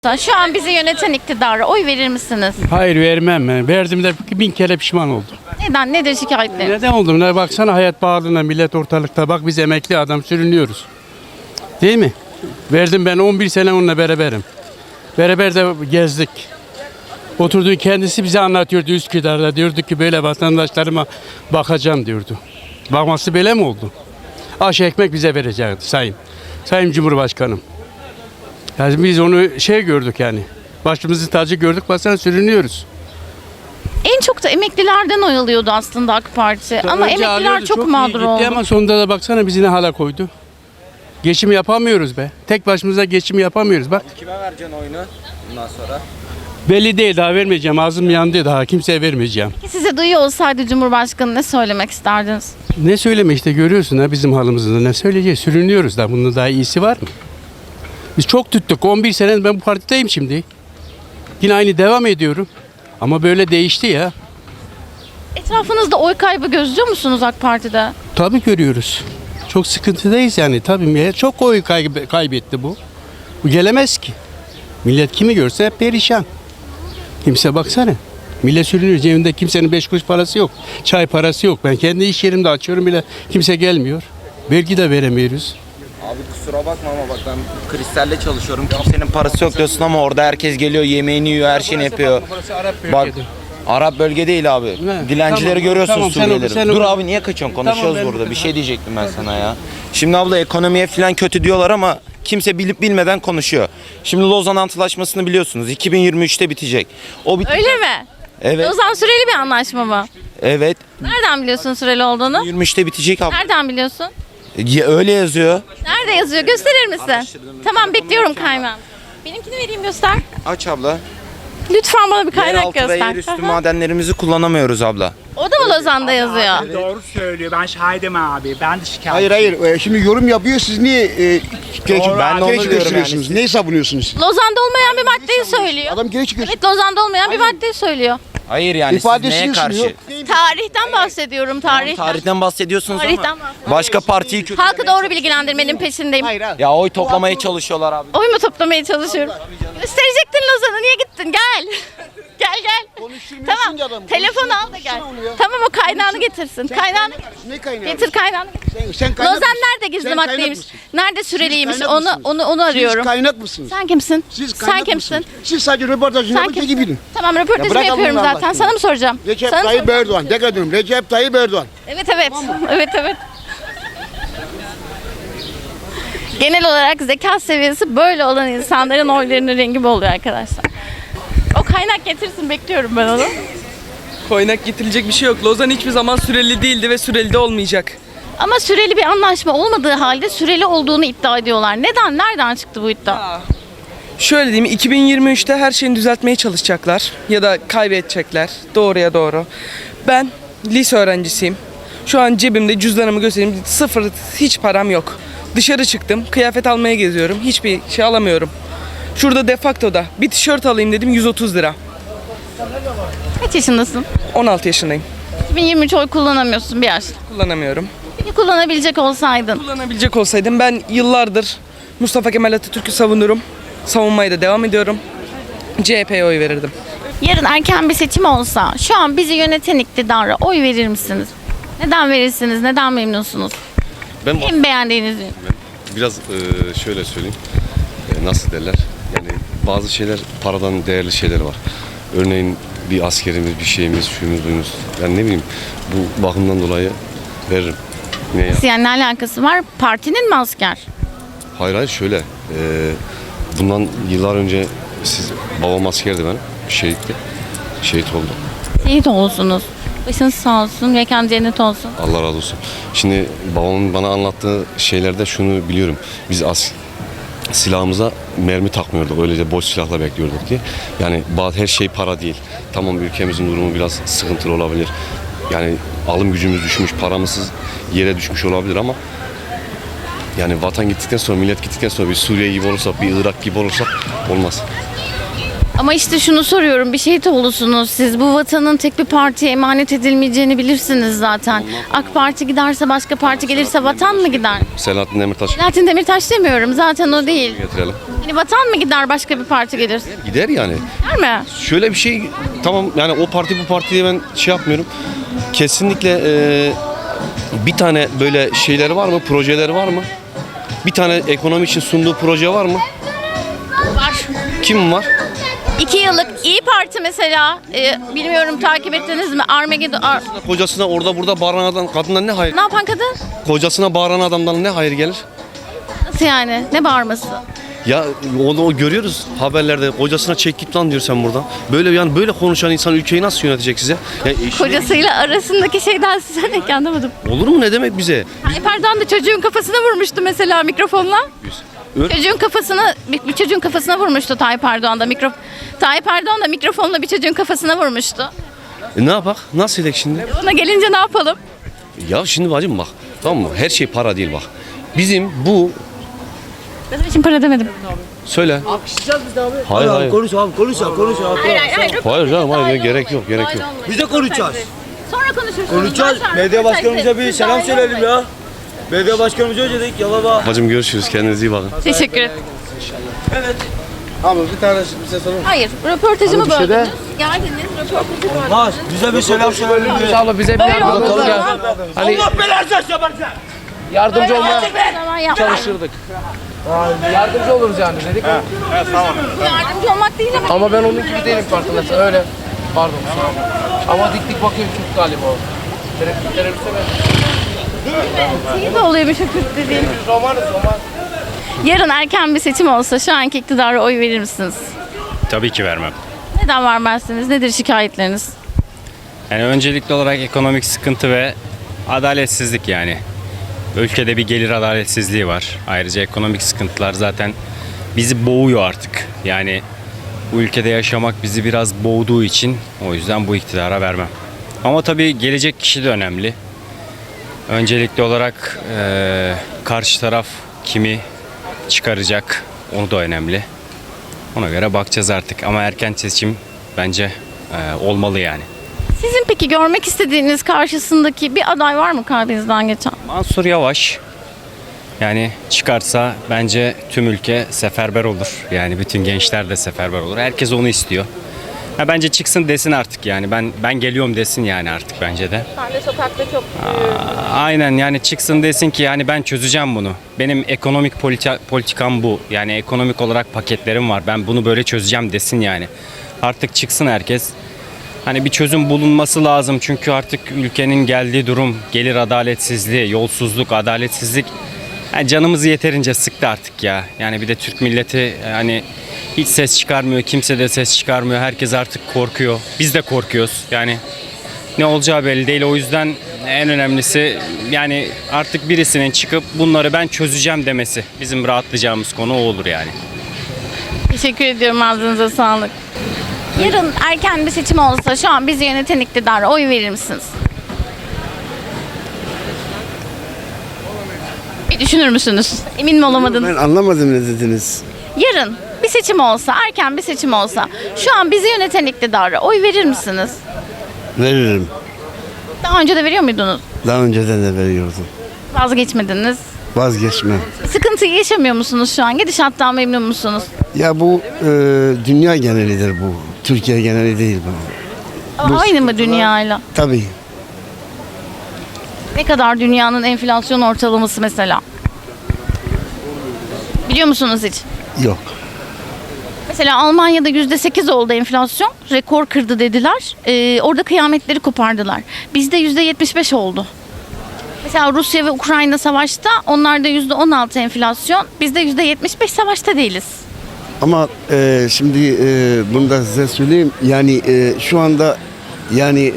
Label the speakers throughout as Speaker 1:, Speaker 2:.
Speaker 1: Şu an bizi yöneten iktidara oy verir misiniz?
Speaker 2: Hayır vermem. Verdim de 1000 kere pişman oldum.
Speaker 1: Neden? Nedir şikayetleri?
Speaker 2: Neden oldum? Baksana hayat pahalılığına millet ortalıkta. Bak biz emekli adam sürünüyoruz. Değil mi? Verdim ben 11 sene onunla beraberim. Beraber de gezdik. Oturduğu kendisi bize anlatıyordu Üsküdar'da. Diyordu ki böyle vatandaşlarıma bakacağım diyordu. Bakması böyle mi oldu? Aş ekmek bize verecekti Sayın Cumhurbaşkanım. Yani biz onu gördük yani. Başımızın tacı gördük, baksana sürünüyoruz.
Speaker 1: En çok da emeklilerden oy alıyordu aslında AK Parti. Ama
Speaker 2: Önce
Speaker 1: emekliler
Speaker 2: alıyordu,
Speaker 1: çok
Speaker 2: iyi
Speaker 1: mağdur
Speaker 2: gitti
Speaker 1: oldu.
Speaker 2: ama sonunda da baksana bizi ne hala koydu. Geçim yapamıyoruz be. Tek başımıza geçim yapamıyoruz bak.
Speaker 3: Kime vereceksin oyunu bundan sonra?
Speaker 2: Belli değil, daha vermeyeceğim. Ağzım yandı, daha kimseye vermeyeceğim.
Speaker 1: Size duyuyor olsaydı Cumhurbaşkanı ne söylemek isterdiniz?
Speaker 2: Ne söyleme işte, görüyorsun ha bizim halımızda, ne söyleyeceğiz, sürünüyoruz da, bunun daha iyisi var mı? Biz çok tuttuk, 11 sene ben bu partideyim şimdi. Yine aynı devam ediyorum. Ama böyle değişti ya.
Speaker 1: Etrafınızda oy kaybı gözlüyor musunuz AK Parti'de?
Speaker 2: Tabii görüyoruz. Çok sıkıntıdayız yani, tabii çok oy kaybetti bu. Bu gelemez ki. Millet kimi görse hep perişan. Kimse baksana. Millet sürünüyor, cebinde kimsenin 5 kuruş parası yok. Çay parası yok. Ben kendi iş yerimde açıyorum bile, kimse gelmiyor. Vergi de veremiyoruz.
Speaker 3: Abi kusura bakma ama bak ben Kristal'le çalışıyorum. Kimsenin parası yok diyorsun ama orada herkes geliyor, yemeğini yiyor, her şeyini yapıyor. Bak Arap bölge değil abi.
Speaker 2: Ne?
Speaker 3: Dilencileri
Speaker 2: Tamam,
Speaker 3: görüyorsun
Speaker 2: tamam,
Speaker 3: Suriyelileri.
Speaker 2: sen
Speaker 3: Dur
Speaker 2: oku.
Speaker 3: abi niye kaçıyorsun? Konuşuyoruz
Speaker 2: Tamam,
Speaker 3: burada. Bir şey diyecektim ben sana ya. Şimdi abla ekonomiye falan kötü diyorlar ama kimse bilip bilmeden konuşuyor. Şimdi Lozan Antlaşması'nı biliyorsunuz. 2023'te bitecek. O
Speaker 1: Öyle mi?
Speaker 3: Evet.
Speaker 1: Lozan süreli bir anlaşma mı?
Speaker 3: Evet.
Speaker 1: Nereden biliyorsun süreli olduğunu?
Speaker 3: 23'te bitecek abla.
Speaker 1: Nereden biliyorsun?
Speaker 3: Öyle yazıyor.
Speaker 1: Nerede yazıyor? Gösterir misin? Tamam, bekliyorum kaynağını. Benimkini vereyim, göster.
Speaker 3: Aç abla.
Speaker 1: Lütfen bana bir kaynak
Speaker 3: Yeraltı ve
Speaker 1: göster.
Speaker 3: yerüstü
Speaker 1: Hı hı.
Speaker 3: madenlerimizi kullanamıyoruz abla.
Speaker 1: O da mı Lozan'da yazıyor?
Speaker 4: Doğru söylüyor. Ben şahidim abi. Ben de şikayet.
Speaker 5: Hayır. Şimdi yorum yapıyor. Siz niye gerekçe
Speaker 4: Doğru,
Speaker 3: ben de onu diyorum
Speaker 5: gösteriyorsunuz?
Speaker 3: yani.
Speaker 5: Neyi savunuyorsunuz?
Speaker 1: Lozan'da olmayan bir maddeyi söylüyor.
Speaker 5: Adam gerekçe gösteriyor.
Speaker 1: Evet, Lozan'da olmayan bir maddeyi söylüyor.
Speaker 3: Hayır yani siz
Speaker 5: İfadesini
Speaker 3: neye karşı?
Speaker 5: sunuyor.
Speaker 1: Tarihten bahsediyorum, tarihten.
Speaker 3: Tarihten bahsediyorsunuz
Speaker 1: Tarihten
Speaker 3: ama
Speaker 1: bahsediyorum.
Speaker 3: başka partiyi kötü.
Speaker 1: Halkı doğru bilgilendirmenin peşindeyim.
Speaker 3: Ya oy toplamaya çalışıyorlar abi.
Speaker 1: Oy mu toplamaya çalışıyorum? Gösterecektin Lozan'ı, niye gittin? Gel. Gel.
Speaker 5: Konuşturmuyorsun
Speaker 1: Tamam,
Speaker 5: ki adamı.
Speaker 1: telefon al da gel.
Speaker 5: Konuştursana onu ya.
Speaker 1: Tamam, o kaynağını getirsin. Kaynağını
Speaker 5: Ne kaynağı?
Speaker 1: getir, kaynağını getir.
Speaker 5: Sen kaynak
Speaker 1: Lozan
Speaker 5: mısın?
Speaker 1: nerede gizli
Speaker 5: Sen kaynak
Speaker 1: maddeymiş?
Speaker 5: mısın?
Speaker 1: Nerede süreliymiş?
Speaker 5: Siz
Speaker 1: Onu
Speaker 5: kaynak mısınız?
Speaker 1: arıyorum.
Speaker 5: Siz kaynak mısınız?
Speaker 1: Sen kimsin?
Speaker 5: Siz
Speaker 1: Sen
Speaker 5: kaynak
Speaker 1: kimsin?
Speaker 5: mısınız? Siz sadece röportajını
Speaker 1: Sen
Speaker 5: yapın, peki
Speaker 1: kimsin?
Speaker 5: bilin.
Speaker 1: Tamam,
Speaker 5: Ya
Speaker 1: röportajımı
Speaker 5: bırak
Speaker 1: yapıyorum
Speaker 5: Allah'ını
Speaker 1: zaten.
Speaker 5: aşkına.
Speaker 1: Sana mı soracağım?
Speaker 5: Recep
Speaker 1: Sana mı
Speaker 5: Tayyip
Speaker 1: soracağım?
Speaker 5: Erdoğan. Dikkat edin. Recep Tayyip Erdoğan.
Speaker 1: Evet. Evet. Genel olarak zeka seviyesi böyle olan insanların oylarının rengi bu oluyor arkadaşlar. O kaynak getirsin, bekliyorum ben onu.
Speaker 6: Kaynak getirilecek bir şey yok. Lozan hiçbir zaman süreli değildi ve süreli de olmayacak.
Speaker 1: Ama süreli bir anlaşma olmadığı halde süreli olduğunu iddia ediyorlar. Neden? Nereden çıktı bu iddia?
Speaker 6: Şöyle diyeyim, 2023'te her şeyini düzeltmeye çalışacaklar ya da kaybedecekler. Doğruya doğru. Ben lise öğrencisiyim. Şu an cebimde cüzdanımı göstereyim. Sıfır, hiç param yok. Dışarı çıktım, kıyafet almaya geziyorum. Hiçbir şey alamıyorum. Şurada Defacto'da bir tişört alayım dedim, 130 lira.
Speaker 1: Kaç yaşındasın?
Speaker 6: 16 yaşındayım.
Speaker 1: 2023 oy kullanamıyorsun bir yaş.
Speaker 6: Kullanamıyorum.
Speaker 1: Peki kullanabilecek olsaydın?
Speaker 6: Kullanabilecek olsaydım ben yıllardır Mustafa Kemal Atatürk'ü savunurum. Savunmaya da devam ediyorum. CHP'ye oy verirdim.
Speaker 1: Yarın erken bir seçim olsa şu an bizi yöneten iktidara oy verir misiniz? Neden verirsiniz? Neden memnunsunuz?
Speaker 7: Ben
Speaker 1: En beğendiğiniz ürün.
Speaker 7: biraz şöyle söyleyeyim. Nasıl derler? Yani bazı şeyler paradan değerli şeyler var. Örneğin bir askerimiz, bir şeyimiz, şuyumuz, buyumuz. Yani ne bileyim bu bakımdan dolayı veririm. Ne ya?
Speaker 1: Yani ne alakası var? Partinin mi asker?
Speaker 7: Hayır şöyle. Bundan yıllar önce babam askerdi benim. Şehitti. Şehit oldu.
Speaker 1: Şehit olsunuz. Başınız sağ olsun, mekan cennet olsun.
Speaker 7: Allah razı olsun. Şimdi babamın bana anlattığı şeylerde şunu biliyorum. Biz silahımıza mermi takmıyorduk. Öylece boş silahla bekliyorduk diye. Yani her şey para değil. Tamam ülkemizin durumu biraz sıkıntılı olabilir. Yani alım gücümüz düşmüş, paramız yere düşmüş olabilir ama yani vatan gittikten sonra, millet gittikten sonra bir Suriye gibi olursak, bir Irak gibi olursak olmaz.
Speaker 1: Ama işte şunu soruyorum, bir şehit olursunuz siz. Bu vatanın tek bir partiye emanet edilmeyeceğini bilirsiniz zaten. AK Parti giderse, başka parti gelirse vatan mı gider?
Speaker 7: Selahattin Demirtaş
Speaker 1: Selahattin Demirtaş demiyorum, zaten o değil.
Speaker 7: getirelim.
Speaker 1: Yani vatan mı gider başka bir parti gelirse?
Speaker 7: Gider yani.
Speaker 1: Gider mi?
Speaker 7: Şöyle bir şey, tamam yani o parti bu parti diye ben şey yapmıyorum. Kesinlikle bir tane böyle şeyleri var mı, projeleri var mı? Bir tane ekonomi için sunduğu proje var mı?
Speaker 1: Var.
Speaker 7: Kim var?
Speaker 1: 2 yıllık İyi Parti mesela, bilmiyorum takip ettiniz mi?
Speaker 7: Kocasına orada burada bağıran adam, kadından ne hayır?
Speaker 1: Ne yapan kadın?
Speaker 7: Kocasına bağıran adamdan ne hayır gelir?
Speaker 1: Nasıl yani? Ne bağırması?
Speaker 7: Ya onu görüyoruz haberlerde. Kocasına çek git lan diyor sen buradan. Böyle yani böyle konuşan insan ülkeyi nasıl yönetecek size? Yani
Speaker 1: Kocasıyla arasındaki şeyden size ne anlamadım.
Speaker 7: olur mu, ne demek bize?
Speaker 1: Tayyip Erdoğan da çocuğun kafasına vurmuştu mesela mikrofonla. Bir çocuğun kafasına vurmuştu Tayyip Erdoğan da Tayyip Erdoğan da mikrofonla bir çocuğun kafasına vurmuştu.
Speaker 7: Ne yapak? Nasıl edek şimdi?
Speaker 1: Ona gelince ne yapalım?
Speaker 7: Ya şimdi bacım bak, tamam mı? Her şey para değil bak. Bizim bu
Speaker 1: Ben için para demedim.
Speaker 7: söyle. Hayır hayır.
Speaker 5: Konuş abi konuş abi.
Speaker 7: Hayır canım hayır, gerek yok gerek yok.
Speaker 5: Biz de konuşacağız.
Speaker 1: Sonra konuşursunuz.
Speaker 5: Konuşacağız. Medya başkanımıza bir selam söyleyelim ya. Medya başkanımıza öyle dedik ya baba.
Speaker 7: Bacım görüşürüz, kendinize iyi bakın.
Speaker 1: Teşekkür ederim.
Speaker 5: Abi bir tane bize sorun.
Speaker 1: Hayır, röportajımı böldünüz. Geldiniz, röportajı
Speaker 5: Bas bize bir selam söyleyelim ya.
Speaker 8: Abla bize bir
Speaker 1: Böyle
Speaker 8: yardımcı
Speaker 1: oldu.
Speaker 8: olun ya. Hani
Speaker 5: Allah belanı versin.
Speaker 8: yardımcı olmaya
Speaker 1: Böyle
Speaker 8: çalışırdık. Yardımcı oluruz yani dedik.
Speaker 1: yardımcı olmak değil ama
Speaker 8: Ama ben onun gibi değilim farkındasın. Öyle. Pardon. kusura bakma. Ama dik dik bakıyorum Kürt galiba o. Teröriste ben.
Speaker 1: şey de oluyormuş o Kürt dediğin.
Speaker 8: Roman.
Speaker 1: Yarın erken bir seçim olsa şu anki iktidara oy verir misiniz?
Speaker 9: Tabii ki vermem.
Speaker 1: Neden vermezsiniz? Nedir şikayetleriniz?
Speaker 9: Yani öncelikli olarak ekonomik sıkıntı ve adaletsizlik yani. Ülkede bir gelir adaletsizliği var. Ayrıca ekonomik sıkıntılar zaten bizi boğuyor artık. Yani bu ülkede yaşamak bizi biraz boğduğu için o yüzden bu iktidara vermem. Ama tabii gelecek kişi de önemli. Öncelikli olarak karşı taraf kimi çıkaracak onu da önemli. Ona göre bakacağız artık ama erken seçim bence olmalı yani.
Speaker 1: Sizin peki görmek istediğiniz karşısındaki bir aday var mı kalbinizden geçen?
Speaker 9: Mansur Yavaş yani çıkarsa bence tüm ülke seferber olur. Yani bütün gençler de seferber olur. Herkes onu istiyor. Ha, bence çıksın desin artık yani ben geliyorum desin yani artık bence de.
Speaker 1: Ben de sokakta çok
Speaker 9: Aynen yani çıksın desin ki yani ben çözeceğim bunu. Benim ekonomik politikam bu. Yani ekonomik olarak paketlerim var. Ben bunu böyle çözeceğim desin yani. Artık çıksın herkes. Hani bir çözüm bulunması lazım çünkü artık ülkenin geldiği durum gelir adaletsizliği, yolsuzluk, adaletsizlik yani canımızı yeterince sıktı artık ya. Yani bir de Türk milleti hani hiç ses çıkarmıyor, kimse de ses çıkarmıyor. Herkes artık korkuyor. Biz de korkuyoruz. Yani ne olacağı belli değil. O yüzden en önemlisi yani artık birisinin çıkıp bunları ben çözeceğim demesi. Bizim rahatlayacağımız konu o olur yani.
Speaker 1: teşekkür ediyorum, ağzınıza sağlık. Yarın erken bir seçim olsa şu an bizi yöneten iktidara oy verir misiniz? Bir düşünür müsünüz? Emin mi olamadınız?
Speaker 5: Ben anlamadım ne dediniz.
Speaker 1: Yarın bir seçim olsa, erken bir seçim olsa şu an bizi yöneten iktidara oy verir misiniz?
Speaker 5: Veririm.
Speaker 1: Daha önce de veriyor muydunuz?
Speaker 5: Daha önceden de veriyordum.
Speaker 1: Vazgeçmediniz.
Speaker 5: Vazgeçmem.
Speaker 1: Sıkıntıyı yaşamıyor musunuz şu an? Gidişattan memnun musunuz?
Speaker 5: Ya bu dünya genelidir bu. Türkiye geneli değil bu.
Speaker 1: Ama aynı mı dünyayla?
Speaker 5: Tabii.
Speaker 1: Ne kadar dünyanın enflasyon ortalaması mesela? Biliyor musunuz hiç?
Speaker 5: Yok.
Speaker 1: Mesela Almanya'da %8 oldu enflasyon. Rekor kırdı dediler. Orada kıyametleri kopardılar. Bizde %75 oldu. Mesela Rusya ve Ukrayna savaşta, onlarda %16 enflasyon. Bizde %75, savaşta değiliz.
Speaker 5: Ama şimdi bunu da size söyleyeyim. Yani şu anda yani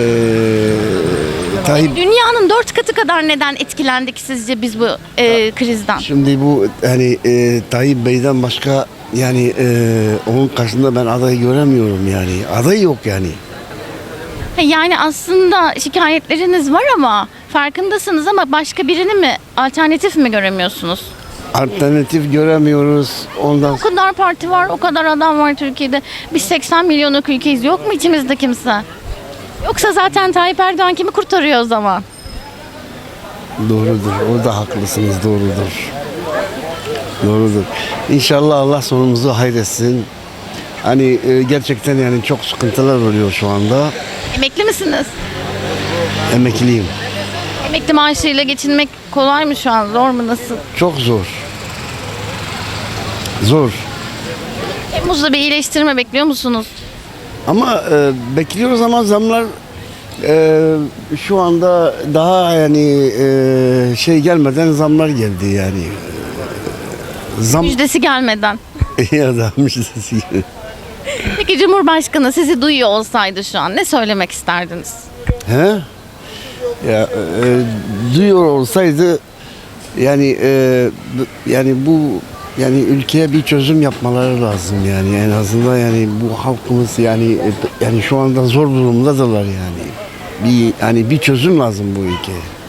Speaker 5: Tayyip
Speaker 1: Dünyanın 4 katı kadar neden etkilendik sizce biz bu krizden?
Speaker 5: şimdi bu hani Tayyip Bey'den başka yani onun karşısında ben adayı göremiyorum yani. Aday yok yani.
Speaker 1: Yani aslında şikayetleriniz var ama farkındasınız ama başka birini mi, alternatif mi göremiyorsunuz?
Speaker 5: Alternatif göremiyoruz. Ondan
Speaker 1: O kadar parti var, o kadar adam var Türkiye'de. Biz 80 milyonluk ülkeyiz. Yok mu içimizde kimse? Yoksa zaten Tayyip Erdoğan kimi kurtarıyor o zaman?
Speaker 5: doğrudur. Orada haklısınız. Doğrudur. Doğrudur. İnşallah Allah sonumuzu hayretsin. Hani gerçekten yani çok sıkıntılar oluyor şu anda.
Speaker 1: Emekli misiniz?
Speaker 5: Emekliyim.
Speaker 1: Emekli maaşıyla geçinmek kolay mı şu an? Zor mu? Nasıl?
Speaker 5: Çok zor. Zor.
Speaker 1: Temmuz'da bir iyileştirme bekliyor musunuz?
Speaker 5: Ama bekliyoruz ama zamlar şu anda daha yani şey gelmeden zamlar geldi yani. Zam
Speaker 1: Müjdesi gelmeden.
Speaker 5: ya da müjdesi.
Speaker 1: Peki Cumhurbaşkanı sizi duyuyor olsaydı şu an ne söylemek isterdiniz?
Speaker 5: He? Ya duyuyor olsaydı yani yani bu yani ülkeye bir çözüm yapmaları lazım yani en azından yani bu halkımız yani şu anda zor durumdadırlar yani. Bir yani bir çözüm lazım bu ülkeye.